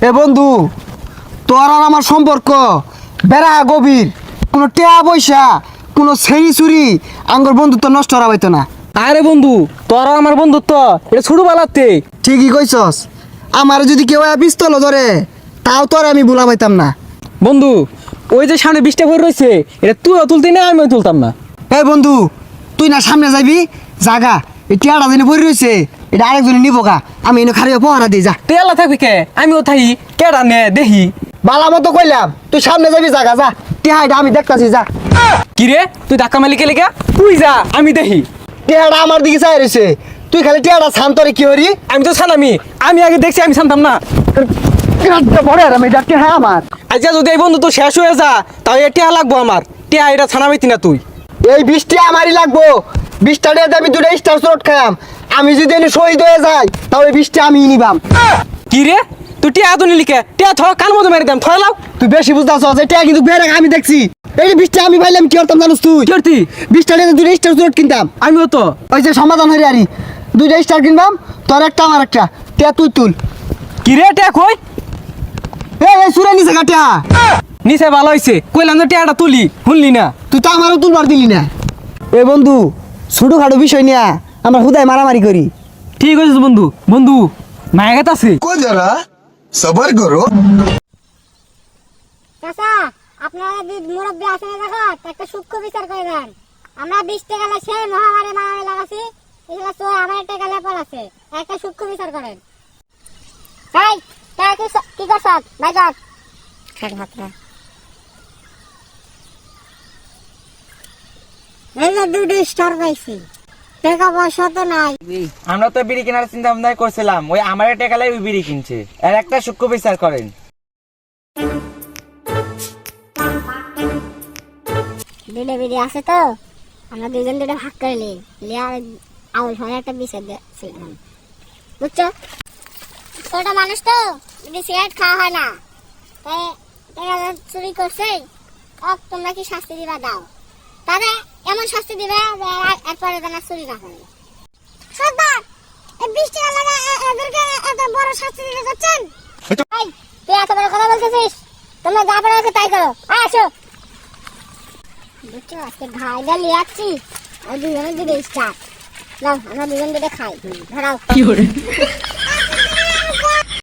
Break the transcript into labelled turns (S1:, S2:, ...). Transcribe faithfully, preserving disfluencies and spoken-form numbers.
S1: এ বন্ধু, তোর আর আমার সম্পর্ক বেড়া গভীর। কোনো টেয়া পয়সা, কোনো ছেড়ি চুরি আঙ্গর বন্ধুত্ব নষ্ট করা হইতো না।
S2: আরে বন্ধু, তোরা আমার বন্ধুত্ব এটা ছোট বেলাতে।
S1: ঠিকই কইছস। আমার যদি কেউ পিস্তল ধরে তাও তোর আমি ভুলা পাইতাম না।
S2: বন্ধু, ওই যে সামনে বৃষ্টি ভরে রয়েছে, এটা তুইও তুলতি না, আমিও তুলতাম না।
S1: এ বন্ধু, তুই না সামনে যাবি, জাগা এই টিয়াটা দিনে পড়ে রয়েছে, এটা আরেকজনে নিবো গা। আমি এনে খারিয়ে পহারা দিই, যা।
S2: তুই এলা থাকবি কে, আমিও থাকি কেডা নে দেখি।
S1: বালা মতো কইলাম, তুই সামনে যাবি, জাগা যা। টিয়াটা আমি দেখতাছি, যা।
S2: কি রে, তুই ধাক্কা মালিকে লেগে তুই যা, আমি দেখি।
S1: টিয়াটা আমার দিকে চাই রয়েছে, তুই খালি টিয়াটা ছান, তোরে কি হরি?
S2: আমি তো ছানামি, আমি আগে দেখছি, আমি ছানতাম না।
S1: পরে আর আমি ডাক্তার, হ্যাঁ আমার
S2: আজকে যদি এই বন্ধু তো শেষ হয়ে যা, তাও এ টিয়া লাগবো আমার। টিয়া এটা ছানামিতি না তুই।
S1: এই বৃষ্টি আমারই লাগবো। বৃষ্টিটা দিয়ে আমি দুটো স্টার শট খাম। আমি যদি এনে শহীদ হয়ে যাই তাহলে বৃষ্টি আমি নিবাম।
S2: কি রে, তুই টিয়া তো নিলি কে? টিয়া থ কান মতো মেরে দাম, থলাও।
S1: তুই বেশি বুঝতেছ, এটা কিন্তু বেড়ে আমি দেখছি। এই যে বৃষ্টি আমি পাইলাম, কি করতাম জানিস তুই?
S2: কি করতি?
S1: বৃষ্টিটা দিয়ে দুটো স্টার শট কিনতাম।
S2: আমিও তো
S1: ওই যে সমাধান হয়ে আরি দুইটা স্টার কিনবাম, তোর একটা আমার একটা। টিয়া তুই তুল।
S2: কি রে, টিয়া কই?
S1: এই সুরে নিচে কাটিয়া
S2: নিচে ভালো হয়েছে, কইলাম যে টিয়াটা তুলি, শুনলি না।
S1: তুই তো আমারও তুলবার দিলি না। এ বন্ধু, ছোটখাটো বিষয় নিয়ে আমরা হুদায় মারামারি করি।
S2: ঠিক আছে বন্ধু। বন্ধু মায়াগাত আছে।
S3: को जरा सबर करो।
S4: চাচা, আপনারা দুই মুরব্বী আছেন দেখো, একটা সূক্ষ্ম বিচার করে দেন। আমরা বিশ টাকা গেলে সেই মহামারী মারামারি লাগাছি, এগুলো চোর আমার একটা গেলে পল আছে, একটা সূক্ষ্ম বিচার করেন। এই তাই কি স- কি করছ ভাই কর খাট ভাতরা এই যে দুটো স্টার পাইছি, টাকা পয়সা তো নাই।
S5: আমরা তো বিড়ি কেনার চিন্তা ভাবনা করছিলাম, ওই আমার টেকালাই ওই বিড়ি কিনছে। আর একটা সূক্ষ্ম বিচার করেন।
S4: দুটো বিড়ি আছে তো, আমরা দুজন দুটো ভাগ করে নিই, লিয়ার আউল হয় একটা বিচার দিয়েছিলাম, বুঝছো? ছোট মানুষ তো বিড়ি সিগারেট খাওয়া হয় না, তাই টাকা চুরি করছে, ওক তোমরা কি শাস্তি দিবা দাও, তাহলে এমন শাস্তি দিবে যে আর- এরপরে যেন চুরি না করে। সর্দার, এই বিশ টাকা লাগা এদেরকে এত বড় শাস্তি দিতে যাচ্ছেন? এই, তুই এত বড় কথা বলতেছিস, তোমরা যা পারো ওকে তাই করো। আয়, আসো। বুঝছো, আজকে ঘাইটা লিয়ে আসছি, আর দুজনে দুটো স্টার। নাও, আমরা দুজন দুটো খাই, ধরাও।